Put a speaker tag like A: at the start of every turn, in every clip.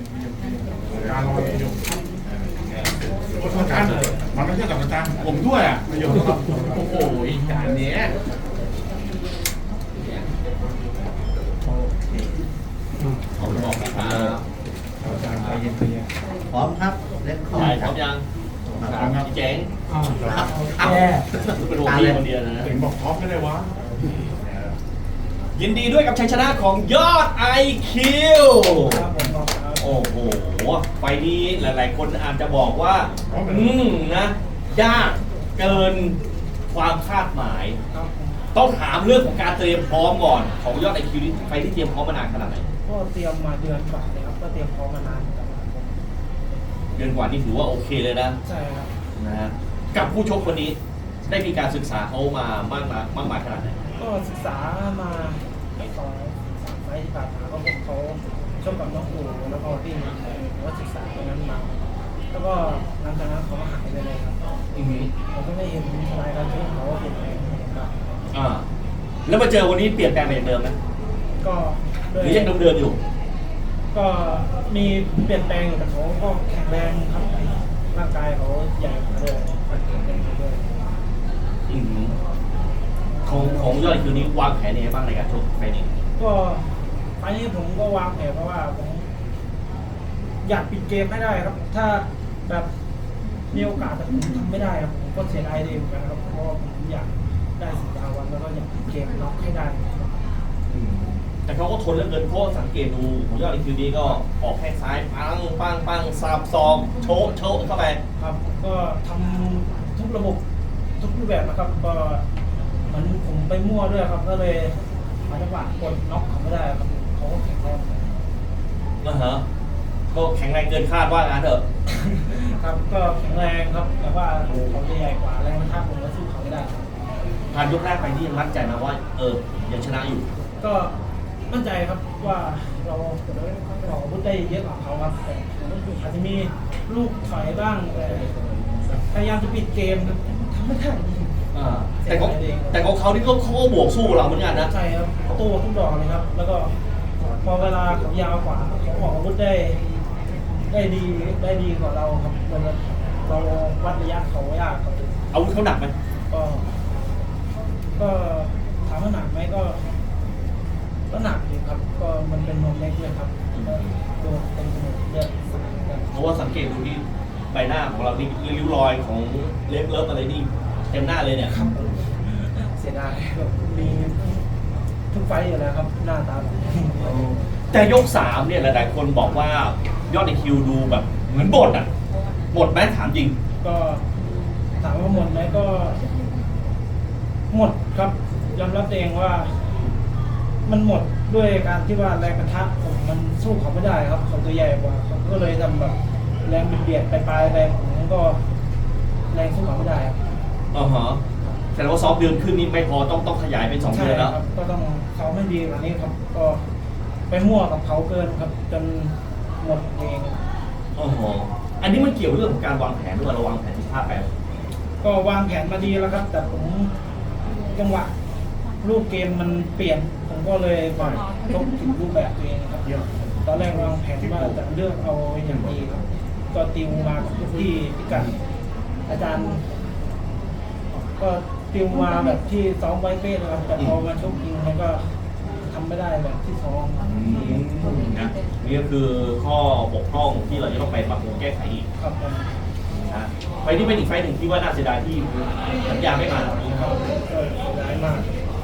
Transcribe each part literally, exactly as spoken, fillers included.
A: การรออยู่การมันไม่ใช่กับอาจารย์ผมด้วยอ่ะประโยชน์ครับโอ้โหอีกการนี้
B: ผมบอกนะครับ
A: อาจารย์ใจเย็นใจเย็น
C: พร้อมครับเล่นข้อ
B: ใช่พร้อมยังพี่เจ๋ง
C: ครับ
B: แย่เป็นหัวพี่คนเดียวนะ
A: เห็นบอกท็อปไม่ได้วะ
B: ยินดีด้วยกับชัยชนะของยอด ไอ คิว โอ้โห ไฟนี้หลายๆคนอาจจะบอกว่า อืมนะ ยากเกินความคาดหมาย ต้องถามเรื่องของการเตรียมพร้อมก่อน ของยอด ไอ คิว นี่ไฟที่เตรียมพร้อมมานานขนาดไหน
D: ก็เตรียมมาเดือนกว่าเลยครับก็เตรียมพร้อมมานานเหมือนกันครับผม
B: เดือนกว่านี่ถือว่าโอเคเลยนะ
D: ใช่ครับ
B: นะฮะกับผู้ชกคนนี้ได้มีการศึกษาเขามามากมายมากมายขนาดไหน
D: ก็ศึกษามาไปสองสามไฟล์ที่ผ่านมาก็พวกเขาชอบกับน้องอูแล้วก็ที่มีก็ศึกษาตรงนั้นมา แล้วก็หลังจากนั้นเขาก็หายไปเลยครับ
B: อือฮึ
D: ผมก็ไม่เห็นรายการที่เขาเปลี่ยนแปลงครับ
B: อ่าแล้วมาเจอวันนี้เปลี่ยนแปลงไปจากเดิมไหม
D: ก็
B: ห
D: ด้ว
B: รื
D: ย
B: อยังเดิมๆอยู่
D: ก็มีเปลี่ยนแปลงอยู่แต่เขาก็แข็งแรงครับร่างกายเขาใหญ่กว่าด้วยแข็งแรงกว่าด้วย
B: อือฮึของของยอดคิวนี้วางแผนยังไงบ้างในการชกไฟล์นี้
D: ก็ไฟล์นี้ผมก็วางแผนเพราะว่าผมอยากปิดเกมให้ได้ครับ ถ้าแบบมีโอกาสแต่ผมทำไม่ได้ครับผมก็เสียดายเลยเหมือนกันครับเพราะว่าผมอยากได้สิบดาววันแล้วก็อยากปิดเกมน็อกให้ได้ครับ
B: อืมแต่เขาก็ทนเหลือเกินเพราะสังเกตดูของยอดคิวนี้ก็ออกแข้งซ้ายปังปังปังสับซองโชะโชะเข้าไป
D: ครับก็ทำทุกระบบทุกรูปแบบนะครับ ก็เหมือนผมไปมั่วด้วยครับ ก็เลยหาจังหวะกดน็อกเขาไม่ได้ครับเขาก็แข็งแรง
B: นะฮะก็แข็งแรงเกินคาดว่างั้นเถอะ
D: ครับก็แข็งแรงครับแต่ว่าเขาจะใหญ่กว่าแรงท่าผมก็สู้เขาไม่ได้ครับ
B: ผ่านยกแรกไปที่ยังมั่นใจมาว่า เออยังชนะอยู่
D: ก็มั่นใจครับว่าเราเราพูดได้เยอะกว่าเขาครับแต่อาจจะมีลูกถอยบ้างแต่พยายามจะปิดเกมครับทำไม่ได้
B: อ่าแต่ของแต่ของเขาที่เขาเขาก็บวกสู้เราเหมือนกันนะ
D: ใช่ครับตู้ทุกดอกเลยครับ แล้วก็พอเวลาเขายาวกว่าเขาออกอาวุธได้ได้ดีได้ดีกว่าเราครับเราเราวัดระยะเขายากครับ
B: อาวุธเขาหนักไหม
D: ก็ ก็ถามว่าหนักไหมก็ ก็หนักอยู่ครับ ก็มันเป็นนมเล็กเลยครับโดนเต็มไปหมดเลือดสาดกัน
B: เพราะว่าสังเกตดูที่ใบหน้าของเรานี่ริ้วรอยของเล็บเลิฟอะไรนี่เต็มหน้าเลยเนี่ย
D: ครับเสียดายแบบมีทุกไฟต์อยู่แล้วครับ หน้าตาแบบ
B: แต่ยกสามเนี่ยหลายๆคนบอกว่ายอดในคิวดูแบบเหมือนบทอ่ะบทไหมถามจริง
D: ก็ถามว่าหมดไหมก็ หมดครับยอมรับเองว่า มันหมดด้วยการที่ว่าแรงกระทะผมมันสู้เขาไม่ได้ครับเขาตัวใหญ่กว่าเขาก็เลยทำแบบแรงเบียดไปปลายแรงผมก็แรงสู้เขาไม่ได้ครับ
B: อ๋อฮะแต่ว่าซ้อมเดือนครึ่งนี้ไม่พอต้องต้องขยายเป็นสอง
D: ใช่
B: เดือนแล้ว
D: ครับก็ต้องเขาไม่ดีกว่านี้ครับ ก็ไปมั่วกับเขาเกินครับ จนหมดเอง
B: อ๋อฮะอันนี้มันเกี่ยวเรื่องของการวางแผนด้วยเราวางแผนที่พลาดไป
D: ก็วางแผนมาดีแล้วครับ แต่ผมจังหวะรูปเกมมันเปลี่ยน ผมก็เลยปล่อยชกผิดรูปแบบตัวเองครับตอนแรกวางแผนว่าจะเลือกเอาอย่างดีครับ ก็ติวมากับทุกที่พิกัดอาจารย์ ก็ติวมาแบบที่ซ้อมไว้เป๊ะนะครับแต่พอมาชกจริงมันก็ทำไม่ได้แบบที่ซ้อมครับ
B: นะนี่ก็คือข้อบกพร่องที่เราจะต้องไปปรับปรุงแก้ไขอีก
D: ครับผม
B: นะไฟล์นี้เป็นอีกไฟล์หนึ่งที่ว่าน่าเสียดายที่สัญญาไม่มาตรงนี้ครับ
D: ก็เสียดายมาก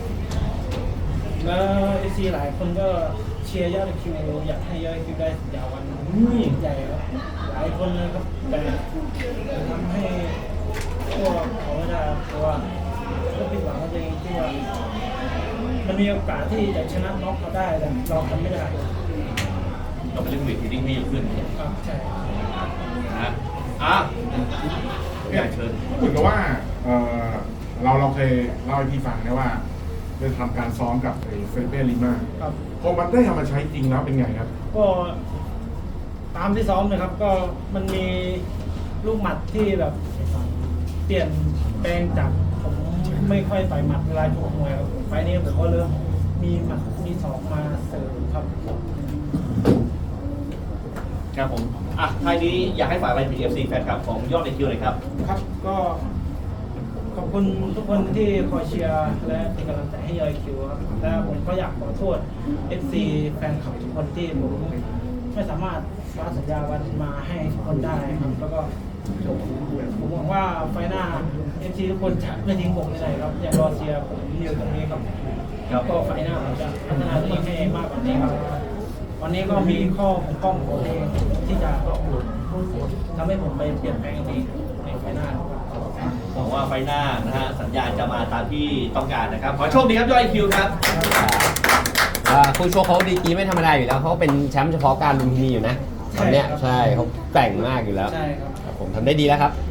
D: แล้วเอซีหลายคนก็เชียร์ยอดคิวอยากให้ยอดคิวได้สัญญาวันใหญ่ครับหลายคนเลยครับแต่ทำให้พวกเขาไม่ได้เพราะว่าก็ผิดหวังกับตัวเองที่ว่ามันมีโอกาสที่จะชนะน็อกเขาได้แต่เราทำไม่ได้
B: เราไปเล่นเวทที่ดิ้งให้เยอะขึ้น
D: ครับใช่
B: นะอ่ะอยากเชิญ
A: เหมือนกับว่าเออเราเราเคยเล่าให้พี่ฟังนะว่าได้ทำการซ้อมกับไอ้เฟลิเป้ลิมา
D: ครับ
A: พอมันได้เอามาใช้จริงแล้วเป็นไงครับ
D: ก็ตามที่ซ้อมนะครับ ก็มันมีลูกหมัดที่แบบเปลี่ยนแปลงจากผมไม่ค่อยต่อยหมัดเวลาชกมวยครับไฟล์นี้ผมก็เริ่มมีหมัดมีศอกมาเสริมครับ
B: ครับผมอ่ะท้ายนี้อยากให้ฝากอะไรถึง เอฟ ซี แฟนคลับของยอดไอคิวหน่อยครับ
D: ครับก็ขอบคุณทุกคนที่คอยเชียร์และเป็นกำลังใจให้ยอยคิวครับและผมก็อยากขอโทษ เอฟ ซี แฟนคลับทุกคนที่ผมไม่สามารถคว้าสัญญาวันมาให้ทุกคนได้ครับแล้วก็ผมหวังว่าไฟหน้า เอฟ ซี ทุกคนจะไม่ทิ้งผมไปไหนครับอยากรอเชียร์ผมอยู่ตรงนี้ครับ
B: ครับ
D: ก็ไฟหน้าผมจะพัฒนาตัวเองให้มากกว่านี้ครับวันนี้ก็มีข้อบกพร่องของตัวเองที่จะทำให้ผมไปเปลี่ยนแปลงในในไฟหน้าครับ
B: หวังว่าไฟหน้านะฮะสัญญาณจะมาตามที่ต้องการนะครับ ขอโชคดีครับยอดไอคิวครับ
E: อ่าคู่ชกเขาดีกรีไม่ธรรมดาอยู่แล้วเขาเป็นแชมป์เฉพาะการลุมพินีอยู่นะตอนเนี้ย
D: ใช่
E: ใช่
D: ครับ
E: เขาแกร่งมากอยู่แล้ว
D: ใช่ครับ
E: ครับผมทำได้ดีแล้วครับ